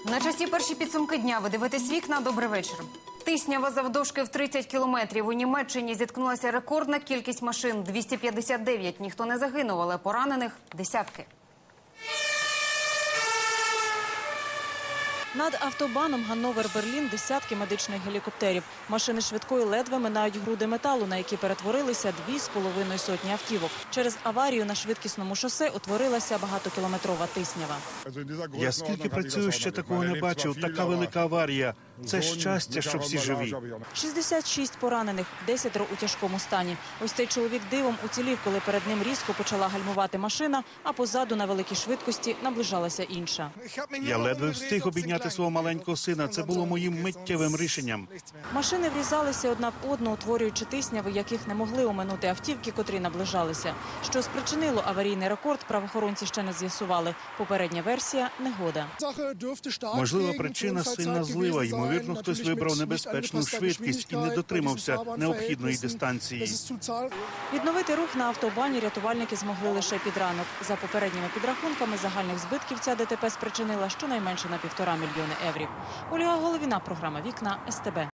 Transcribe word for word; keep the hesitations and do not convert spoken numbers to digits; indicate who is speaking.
Speaker 1: На часі перші підсумки дня. Ви дивитесь «Вікна». Добрий вечір. Тиснява завдовжки в тридцять кілометрів. У Німеччині зіткнулася рекордна кількість машин – двісті п'ятдесят дев'ять. Ніхто не загинув, але поранених – десятки.
Speaker 2: Над автобаном Ганновер-Берлін десятки медичних гелікоптерів. Машини швидкої ледве минають груди металу, на які перетворилися дві з половиною сотні автівок. Через аварію на швидкісному шосе утворилася багатокілометрова тиснява.
Speaker 3: Я скільки працюю, ще такого не бачив. Така велика аварія. Це щастя, що всі живі.
Speaker 2: шістдесят шість поранених, десятеро у тяжкому стані. Ось цей чоловік дивом уцілів, коли перед ним різко почала гальмувати машина, а позаду на великій швидкості наближалася інша.
Speaker 3: Я ледве встиг обійняти свого маленького сина. Це було моїм миттєвим рішенням.
Speaker 2: Машини врізалися одна в одну, утворюючи тисняви, яких не могли оминути автівки, котрі наближалися. Що спричинило аварійний рекорд, правоохоронці ще не з'ясували. Попередня версія – негода.
Speaker 3: Можлива причина – сильна злива. Ймовірно, хтось вибрав небезпечну швидкість і не дотримався необхідної дистанції.
Speaker 2: Відновити рух на автобані рятувальники змогли лише під ранок. За попередніми підрахунками, загальних збитків ця ДТП спричинила щонайменше на півтора мільйони євро. Ольга Головіна, програма «Вікна», ес те бе.